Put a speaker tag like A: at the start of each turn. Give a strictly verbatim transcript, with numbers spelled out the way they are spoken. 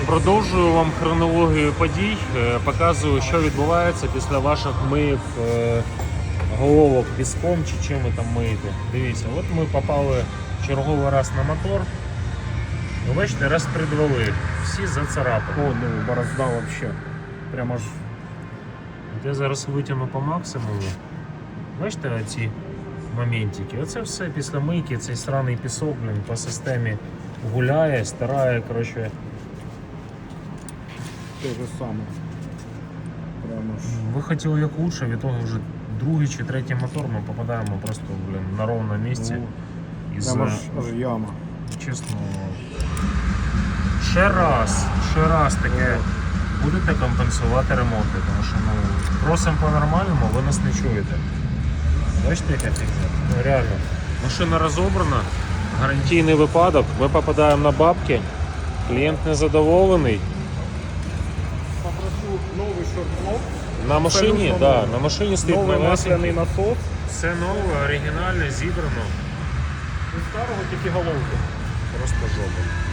A: Продовжую вам хронологію подій, е, показую, що відбувається після ваших миїв е, головок піском чи чим ви там миєте. Дивіться, от ми попали черговий раз на мотор. Ви бачите, розпредвали, всі зацарапані.
B: О, ну, борозда вообще. Прямо ж.
A: От я зараз витягну по максимуму. Бачите оці моментики? Оце все після мийки, цей сраний пісок, блін, по системі гуляє, старає, коротше.
B: Те же саме. Прямо ж.
A: Ви хотіли як лучше, від того вже другий чи третій мотор ми попадаємо просто, блін, на ровне місце.
B: Ну,
A: Із,
B: прямо ж аж яма.
A: чесно, ще раз, ще раз таке будете компенсувати ремонти, тому що ну, просимо по-нормальному, ви нас не чуєте. Бачите, яка фігня? Ну реально. Машина розобрана, гарантійний випадок, ми попадаємо на бабки, клієнт незадоволений.
B: Попрошу новий шорт-блок.
A: На машині,
B: Абсолютно
A: да,
B: новий.
A: на машині стоїть
B: Новий
A: новесенький.
B: масляний насос.
A: Все нове, оригінальне, зібрано.
B: І старого тільки головки.
A: Просто жопа.